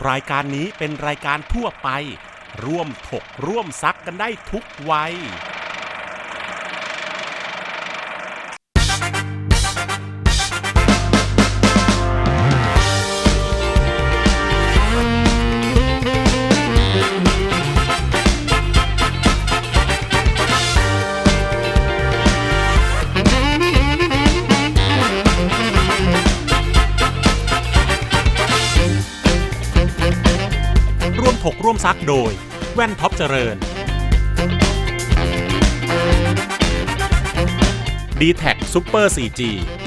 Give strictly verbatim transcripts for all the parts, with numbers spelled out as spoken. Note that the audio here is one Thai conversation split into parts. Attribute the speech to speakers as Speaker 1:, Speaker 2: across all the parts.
Speaker 1: รายการนี้เป็นรายการทั่วไปร่วมถกร่วมซักกันได้ทุกวัยร่วมถกร่วมซักโดยแว่นท็อปเจริญ ดี แท็ก Super โฟร์ จี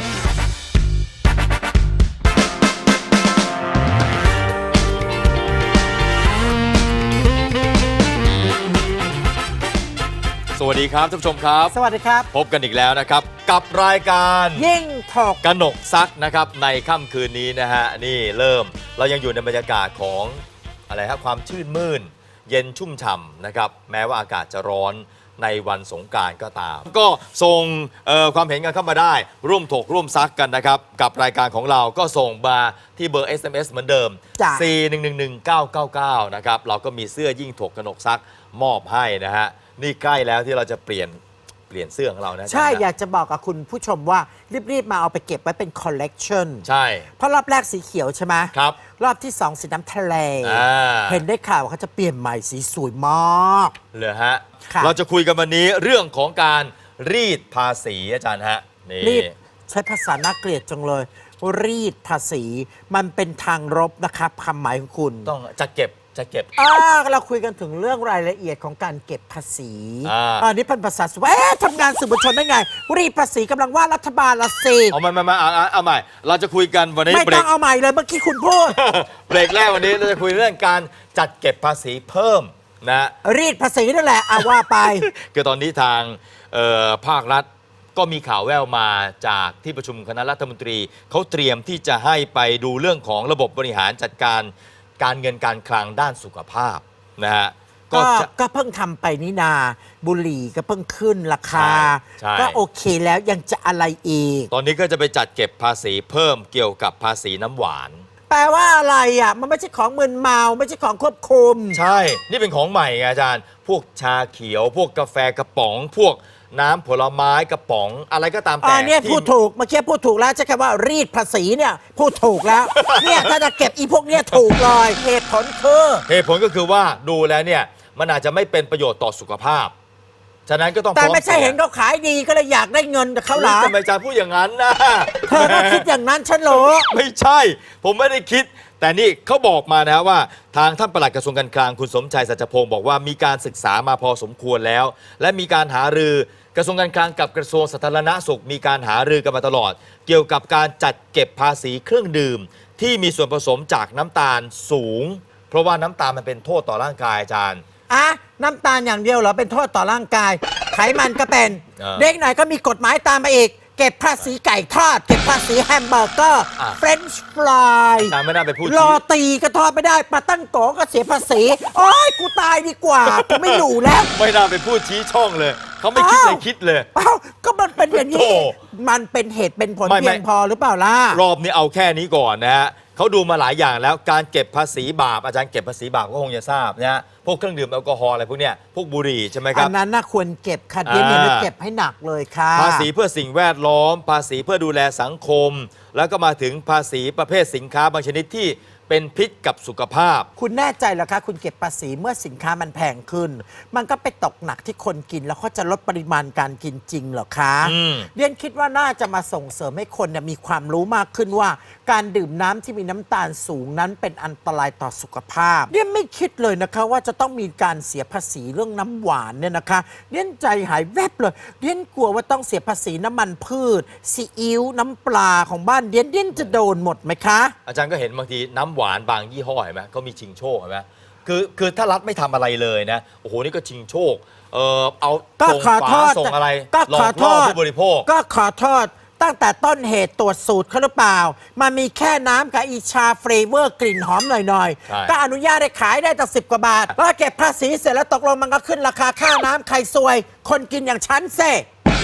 Speaker 2: สวัสดีครับท่านผู้ชมครับ
Speaker 3: สวัสดีครับ
Speaker 2: พบกันอีกแล้วนะครับกับรายการ
Speaker 3: ยิ่งถก
Speaker 2: กนกซักนะครับในค่ำคืนนี้นะฮะนี่เริ่มเรายังอยู่ในบรรยากาศของอะไรครับความชื่นมื่นเย็นชุ่มฉ่ำนะครับแม้ว่าอากาศจะร้อนในวันสงกรานต์ก็ตามก็ส่งความเห็นกันเข้ามาได้ร่วมถกร่วมซักกันนะครับกับรายการของเราก็ส่งมาที่เบอร์ เอส เอ็ม เอส เหมือนเดิม สี่ หนึ่ง หนึ่ง หนึ่ง เก้า เก้า เก้า นะครับเราก็มีเสื้อยิ่งถกกนกซักมอบให้นะฮะนี่ใกล้แล้วที่เราจะเปลี่ยนเปลี่ยนเสื้อของเรานะ
Speaker 3: ใช่อยากจะบอกกับคุณผู้ชมว่ารีบๆมาเอาไปเก็บไว้เป็นคอลเลกชัน
Speaker 2: ใช่
Speaker 3: เพราะรอบแรกสีเขียวใช่ไหม
Speaker 2: ครับ
Speaker 3: รอบที่สองสีน้ำทะเลเห็นได้ข่าวว่าเขาจะเปลี่ยนใหม่สีสวยมาก
Speaker 2: เลยฮะเราจะคุยกันวันนี้เรื่องของการรีดภาษีอาจารย์ฮะนี่
Speaker 3: รีดใช้ภาษาน่าเกลียดจังเลยรีดภาษีมันเป็นทางรบนะครับคำหมายของคุณ
Speaker 2: ต้องจะเก็บจะเก็บ
Speaker 3: อ่าเราคุยกันถึงเรื่องรายละเอียดของการเก็บภาษี
Speaker 2: อ่า
Speaker 3: อันนี้เป็นภาษาสวยทำงานสื่อมวลชนได้ไงรีดภาษีกำลังว่ารัฐบาลละสิ
Speaker 2: เอาใหม่มาเอาเอาใหม่เราจะคุยกันวันนี้
Speaker 3: ไม่ต้องเอาใหม่เลยเมื่อกี้คุณพูด
Speaker 2: เบรกแรกวันนี้เราจะคุยเรื่องการจัดเก็บภาษีเพิ่มนะ
Speaker 3: รีดภาษีนั่นแหละเอาว่าไป
Speaker 2: คือตอนนี้ทางภาครัฐก็มีข่าวแว่วมาจากที่ประชุมคณะรัฐมนตรีเขาเตรียมที่จะให้ไปดูเรื่องของระบบบริหารจัดการการเงินการคลังด้านสุขภาพนะฮะ
Speaker 3: ก็ก็เพิ่งทำไปนี่นาบุหรี่ก็เพิ่งขึ้นราคาก็โอเคแล้วยังจะอะไรอีก
Speaker 2: ตอนนี้ก็จะไปจัดเก็บภาษีเพิ่มเกี่ยวกับภาษีน้ำหวาน
Speaker 3: แปลว่าอะไรอ่ะมันไม่ใช่ของมึนเมาไม่ใช่ของควบคุม
Speaker 2: ใช่นี่เป็นของใหม่ไงอาจารย์พวกชาเขียวพวกกาแฟกระป๋องพวกน้ำผลไม้กระป๋องอะไรก็ตามแต่
Speaker 3: เนี่ยพูดถูกเมื่อกี้พูดถูกแล้วใช่แค่ว่ารีดภาษีเนี่ยพูดถูกแล้วเนี่ยถ้าจะเก็บอีพวกเนี้ยถูกเลยเหตุผลคือ
Speaker 2: เหตุผลก็คือว่าดูแล้วเนี่ยมันอาจจะไม่เป็นประโยชน์ต่อสุขภาพฉะนั้นก็ต้อง
Speaker 3: แต่ไม่ใช่เห็นเขาขายดีก็เลยอยากได้เงินจากเขาหรอ
Speaker 2: ทำไมอาจารย์พูดอย่างนั้นนะ
Speaker 3: เธอก็คิดอย่างนั้นฉันรู้
Speaker 2: ไม่ใช่ผมไม่ได้คิดแต่นี่เขาบอกมานะว่าทางท่านปลัดกระทรวงการคลังคุณสมชัยสัจพงศ์บอกว่ามีการศึกษามาพอสมควรแล้วและมีการหารือกระทรวงการคลังกับกระทรวงสาธารณสุขมีการหารือกันมาตลอดเกี่ยวกับการจัดเก็บภาษีเครื่องดื่มที่มีส่วนผสมจากน้ำตาลสูงเพราะว่าน้ำตาลมันเป็นโทษต่อร่างกายอาจารย์
Speaker 3: อ่ะน้ำตาลอย่างเดียวเหรอเป็นโทษต่อร่างกายไขมันก็เป็นเด็กหน่อยก็มีกฎหมายตามมาอีกเก็บภาษีไก่ทอดเก็บภาษีแฮมเบอร์เกอร์เฟรนช์ฟราย
Speaker 2: ไม่น่าไปพูด
Speaker 3: โรตีก็ทอดไม่ได้ปลาตั้งโกก็เสียภาษีโอ้ยกูตายดีกว่ากูไม่อยู่แล้ว
Speaker 2: ไม่น่าไปพูดชี้ช่องเลยเขาไม่คิดเลยคิดเลย
Speaker 3: เอ้าก็มันเป็นอย่างนี้มันเป็นเหตุเป็นผลเพียงพอหรือเปล่าล่ะ
Speaker 2: รอบนี้เอาแค่นี้ก่อนนะฮะเขาดูมาหลายอย่างแล้วการเก็บภาษีบาปอาจารย์เก็บภาษีบาปก็คงจะทราบนะฮะพวกเครื่องดื่มแอลกอฮอล์อะไรพวกเนี้ยพวกบุหรี่ใช่ไหมครับ
Speaker 3: อันนั้นน่าควรเก็บค่ะเดี๋ยวนี้เก็บให้หนักเลยค่ะ
Speaker 2: ภาษีเพื่อสิ่งแวดล้อมภาษีเพื่อดูแลสังคมแล้วก็มาถึงภาษีประเภทสินค้าบางชนิดที่เป็นพิษกับสุขภาพ
Speaker 3: คุณแน่ใจเหรอคะคุณเก็บภาษีเมื่อสินค้ามันแพงขึ้นมันก็ไปตกหนักที่คนกินแล้วเขาจะลดปริมาณการกินจริงเหรอคะเรียนคิดว่าน่าจะมาส่งเสริมให้คนมีความรู้มากขึ้นว่าการดื่มน้ำที่มีน้ำตาลสูงนั้นเป็นอันตรายต่อสุขภาพเรียนไม่คิดเลยนะคะว่าจะต้องมีการเสียภาษีเรื่องน้ำหวานเนี่ยนะคะเรียนใจหายแวบเลยเรียนกลัวว่าต้องเสียภาษีน้ำมันพืชซีอิ๊วน้ำปลาของบ้านเรียนเรียนจะโดนหมดไหมคะ
Speaker 2: อาจารย์ก็เห็นบางทีน้ำหวานบางยี่ห้อเห็นไหมก็มีชิงโชคเห็นไหมคือคือถ้ารัฐไม่ทำอะไรเลยนะโอ้โหนี่ก็ชิงโชคเออเอา
Speaker 3: ส่งฝา
Speaker 2: ส่งอะไร
Speaker 3: หลอกล่อ
Speaker 2: ผู้บริโภค
Speaker 3: ก็ขอโทษตั้งแต่ต้นเหตุตรวจสูตรเขาหรือเปล่ามันมีแค่น้ำกับอีชาเฟรเวอร์กลิ่นหอมหน่อยๆก็อนุญาตให้ขายได้ตั้งสิบกว่าบาทแล้วเก็บภาษีเสร็จแล้วตกลงมันก็ขึ้นราคาค่าน้ำใครซวยคนกินอย่างฉันเซ่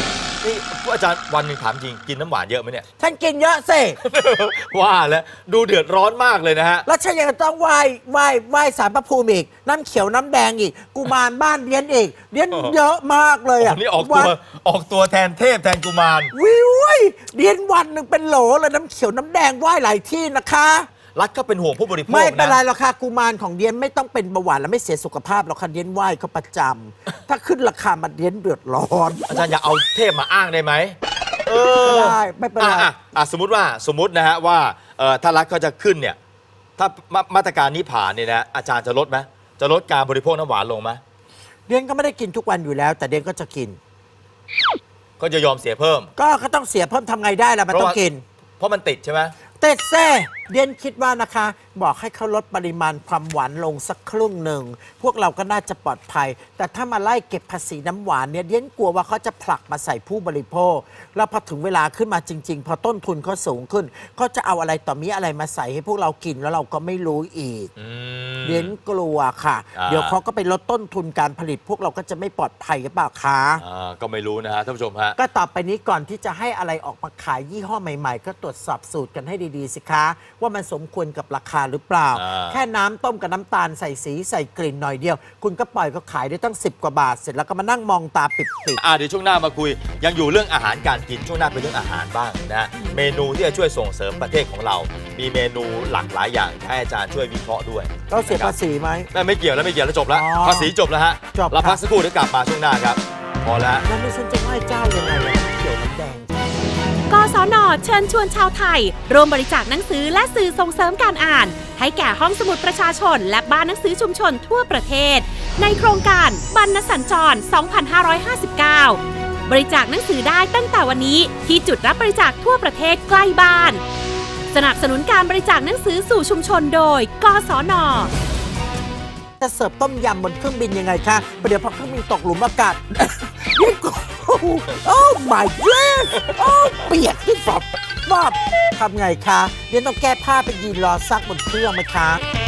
Speaker 2: นี่อาจารย์วันหนึ่งถามจริงกินน้ำหวานเยอะไหมเนี่ย
Speaker 3: ฉันกินเยอะสิ
Speaker 2: ว่าแล้วดูเดือดร้อนมากเลยนะฮะ
Speaker 3: แล้วฉันยังต้องไหว้ไหว้ไหว้สารพระภูมิอีกน้ำเขียวน้ำแดงอีกกุมารบ้านเลี้ยนอีกเลี้ยนเยอะมากเลยอ่ะ
Speaker 2: นี่ออกตัวออกตัวแทนเทพแทนกุมาร
Speaker 3: วิวเลี้ยนวันหนึ่งเป็นโหลเลยน้ำเขียวน้ำแดงไหว้หลายที่นะคะ
Speaker 2: รัฐก็เป็นห่วงผู้บริโภค
Speaker 3: ไม่เป็นไร
Speaker 2: นะ
Speaker 3: หรอกค่ะกุมารของเดียนไม่ต้องเป็นเบาหวานและไม่เสียสุขภาพหรอกค่ะเดียนไหว้เขาประจำ ถ้าขึ้นราคามาเดียนเดือดร้อน
Speaker 2: อาจารย์อย่าเอาเทพมาอ้างได้ไหมเออ
Speaker 3: ได้ไม่เป็นไร
Speaker 2: อ่ะอ่ะอ่ะสมมติว่าสมมตินะฮะว่าเอ่อถ้ารัฐเขาจะขึ้นเนี่ยถ้ามามาตรการนี้ผ่านเนี่ยนะอาจารย์จะลดไหมจะลดการบริโภคน้ำหวานลงไหม
Speaker 3: เดียนก็ไม่ได้กินทุกวันอยู่แล้ว แต่เดียนก็จะกิน
Speaker 2: ก็จะยอมเสียเพิ่ม
Speaker 3: ก็ก็ต้องเสียเพิ่มทำไงได้ล่ะมัน
Speaker 2: เพราะ
Speaker 3: ต้อง
Speaker 2: ว่า
Speaker 3: กิน
Speaker 2: เพราะมันติดใช่ไหม
Speaker 3: เต็ดแซ่เดียนคิดว่านะคะ บอกให้เขาลดปริมาณความหวานลงสักครึ่งหนึ่ง พวกเราก็น่าจะปลอดภัย แต่ถ้ามาไล่เก็บภาษีน้ำหวานเนี่ยเดียนกลัวว่าเขาจะผลักมาใส่ผู้บริโภค แล้วพอถึงเวลาขึ้นมาจริง ๆ พอต้นทุนเขาสูงขึ้นเขาจะเอาอะไรต่อมีอะไรมาใส่ให้พวกเรากินแล้วเราก็ไม่รู้อีก
Speaker 2: อืม
Speaker 3: เดียนกลัวค่ะ
Speaker 2: อ่า
Speaker 3: เดี๋ยวเขาก็ไปลดต้นทุนการผลิต พวกเราก็จะไม่ปลอดภัยหรือเปล่าคะ
Speaker 2: อ่าก็ไม่รู้นะฮะท่านผู้ชมฮะ
Speaker 3: ก็ต่อไปนี้ก่อนที่จะให้อะไรออกมาขายยี่ห้อใหม่ๆ ก็ตรวจสอบสูตรกันให้ดีๆสิคะ ว่ามันสมควรกับราคาหรือเปล่า
Speaker 2: อ่า
Speaker 3: แค่น้ำต้มกับน้ำตาลใส่สีใส่กลิ่นหน่อยเดียว คุณก็ปล่อยเขาขายได้ตั้งสิบกว่าบาท เสร็จแล้วก็มานั่งมองตาปิด
Speaker 2: อ่าเดี๋ยวช่วงหน้ามาคุย ยังอยู่เรื่องอาหารการกินช่วงหน้าเป็นเรื่องอาหารบ้างนะฮะเมนูที่จะช่วยส่งเสริมประเทศของเรา มีเมนูหลากหลายอย่างให้อาจารย์ช่วยวิเคราะห์ด้วย
Speaker 3: ๆเราเสียภาษีไหม
Speaker 2: ไม่ไม่เกี่ยวแล้วไม่เกี่ยวแล้วจบแล้ว
Speaker 3: อ๋อ
Speaker 2: ภาษีจบแล้วฮะ
Speaker 3: จบ
Speaker 2: เรา
Speaker 3: ครับ
Speaker 2: พักสักครู่เดี๋ยวกลับมาช่วงหน้าครับ พอแล้ว
Speaker 3: แล้วนี่ฉันจะไหว้เจ้ายังไงอะเขียวน้ำแดง
Speaker 4: กศน เชิญชวนชาวไทยร่วมบริจาคหนังสือและสื่อส่งเสริมการอ่าน ให้แก่ห้องสมุดประชาชน และบ้านหนังสือชุมชนทั่วประเทศ ในโครงการบรรณสัญจร สองพันห้าร้อยห้าสิบเก้า บริจาคหนังสือได้ตั้งแต่วันนี้ที่จุดรับบริจาคทั่วประเทศใกล้บ้าน สนับสนุนการบริจาคหนังสือสู่ชุมชนโดย กศน
Speaker 3: จะเสิร์ฟต้มยำบนเครื่องบินยังไงคะประเดี๋ยวพอเครื่องบินตกหลุมอากาศ ยิ่งกว่าโอ้ my god โอ้เปียกที่ฝอบฝอบทำไงคะเดี๋ยวต้องแก้ผ้าไปยืนรอซักบนเครื่องไหมคะ